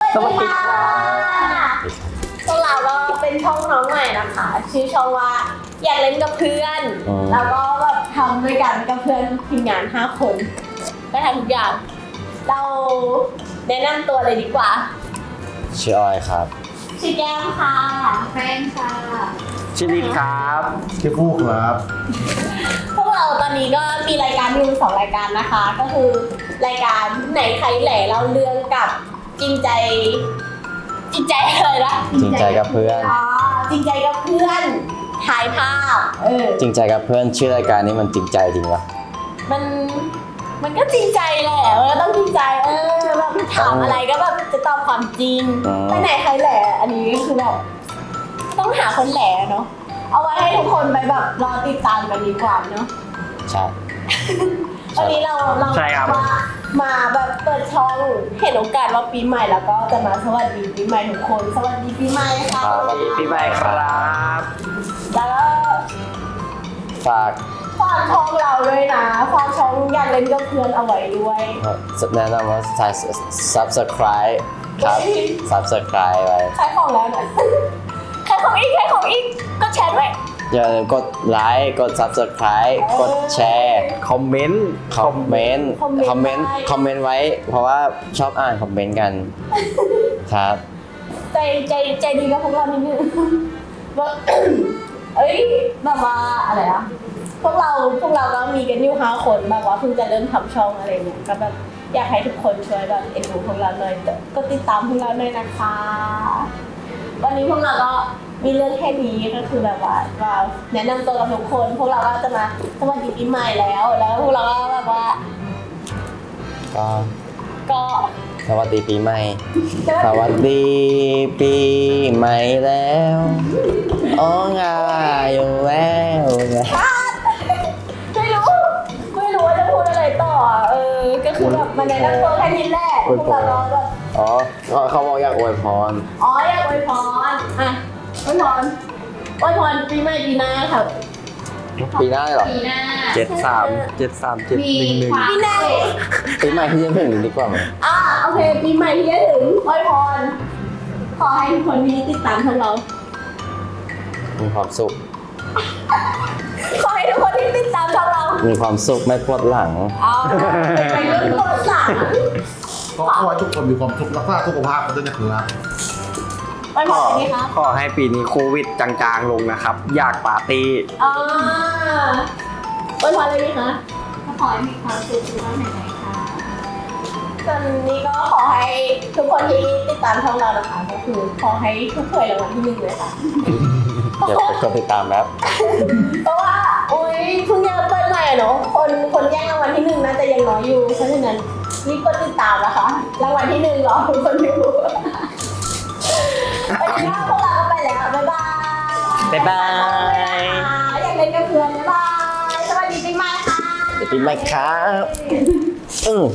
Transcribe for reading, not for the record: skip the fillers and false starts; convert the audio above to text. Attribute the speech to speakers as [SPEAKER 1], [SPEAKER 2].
[SPEAKER 1] สวัสดีค่ะ
[SPEAKER 2] พวกเราก็เป็นช่องน้องใหม่นะคะชื่อช่องว่าอยากเล่นกับเพื่อนแล้วก็แบบทำด้วยกันกับเพื่อนทีมงาน5 คนก็ทำทุกอย่างเราแนะนำตัวเลยดีกว่า
[SPEAKER 3] ชื่อออยครับ
[SPEAKER 2] ชื่อแก้มค่ะแฟนค่ะ
[SPEAKER 1] ชื่อลิศครับ
[SPEAKER 4] ชื่อฟูครับ
[SPEAKER 2] พวกเราตอนนี้ก็มีรายการอยู่2 รายการนะคะ ก็คือรายการไหนใครแหล่เล่าเรื่องกับจริงใจอะไรนะ
[SPEAKER 3] จริงใจกับเพื่อน
[SPEAKER 2] จริงใจกับเพื่อนถ่ายภาพ
[SPEAKER 3] จริงใจกับเพื่อนชื่อรายการนี้มันจริงใจจริงวะ
[SPEAKER 2] มันก็จริงใจแหละมันก็ต้องจริงใจแบบถามอะไรก็แบบจะตอบความจริงไปไหนใครแหละอันนี้คือแบบต้องหาคนแหละเนาะเอาไว้ให้ทุกคนไปแบบรอติดตามกันดีกว่าเนาะ
[SPEAKER 3] ใช่
[SPEAKER 2] วันนี้เรามาแบบเปิดช่องเห็นโอกาสว่าปีใหม่แล้วก็จะมาสวัสดีปีใหม่ทุกคนสวัสดีปีใหม่ค่ะ
[SPEAKER 3] สวัสดี
[SPEAKER 1] ปีใหม่ครับ
[SPEAKER 2] แล้วก็
[SPEAKER 3] ฝาก
[SPEAKER 2] ฝากช่องเราด้วยนะฝากช่องอยากเล่นกับเพื่อนเอาไว้ด้วย
[SPEAKER 3] แนะนำว่า subscribe ครับ subscribe ไว้
[SPEAKER 2] ขายของแล้วนะขายของอีกก็แชร์ด้วย
[SPEAKER 3] อย่าลืมกดไลค์กด subscribe กดแชร์
[SPEAKER 1] คอมเมนต์
[SPEAKER 3] คอมเมนต์ไว้ เพราะว่าชอบอ่านคอมเมนต์กันครับ
[SPEAKER 2] ใจดีกับพวกเรานิดนึงว่าแบบว่าอะไรอะพวกเราก็มีกันอยู่5 คนแบบว่าเพิ่งจะเริ่มทำช่องอะไรเงี้ยก็แบบอยากให้ทุกคนช่วยแบบเอ็นดูพวกเราหน่อยก็ติดตามพวกเราหน่อยนะคะ วันนี้พวกเราก็มีเรื่องแค่นี้ก็คือแบบว่าแนะนำตัวกับทุกคนพวกเราก็จะมาสวัสดีปีใหม่แล้วพวกเราก็แบบว่า ก็
[SPEAKER 3] สวัสดีปีใหม่ สวัสดีปีใหม่แล้วอ๋องาอยู่แล้วไง
[SPEAKER 2] ไม่รู้ว่าจะพูดอะไรต่อก็คือแบบมาแนะนำตัวแค่นี้แหละพวกเราก็แบบ
[SPEAKER 3] อ๋อเขาบอกอยากอวยพร
[SPEAKER 2] อยากอวยพรอวยพรปีใหม่ปีหน้าค่ะ
[SPEAKER 3] ปีหน้าเลยเหรอ
[SPEAKER 2] ปีหน้า
[SPEAKER 1] 73 731
[SPEAKER 2] ปีหน้า
[SPEAKER 3] ปีใหม่ที่จะถึงดีกว่าไหม
[SPEAKER 2] โอเคปีใหม่ที่จะถึงอวยพรขอให้ทุกคนที่ติดตามพวกเรา
[SPEAKER 3] มีความสุข
[SPEAKER 2] ขอให้ทุกคนที่ติดตามพวกเรา
[SPEAKER 3] มีความสุขไม่ปวดหลัง
[SPEAKER 2] ไปเรื่องตัวหลัง
[SPEAKER 4] ก็ขอให้ทุกคนมีความสุขรักษาสุขภาพกันด้วยนะครับ
[SPEAKER 2] อวยพรอะไรดีคะ
[SPEAKER 1] ขอให้ปีนี้โควิดจางๆลงนะครับ อยากปาร์ตี้
[SPEAKER 2] อวยพรอะไรดีคะขอให้มีความสุขทุกวันไหนๆค่ะส่วนนี้ก็ขอให้ทุกคนที่ติดตามช่องเรานะคะก็คือขอให้ทุกหน่วยรางวัลที่1เลยค่ะ
[SPEAKER 3] เดี๋ยวไปกดติดตามแล้ว
[SPEAKER 2] เพราะว่าเพิ่งจะเปิดใหม่เนาะคนแย่งรางวัลที่1น่าจะยังน้อยอยู่เพราะฉะนั้นรีบกดติดตามนะคะรางวัลที่1รอทุกคนอยู่วันนี้พวกเราก็ไปแล้วบ๊ายบาย
[SPEAKER 1] บ๊ายบาย
[SPEAKER 2] อยากเล่นกับเพื่อนบ๊ายบายสวัสดีปีใหม่ค่ะ
[SPEAKER 3] ปีใหม่ครับ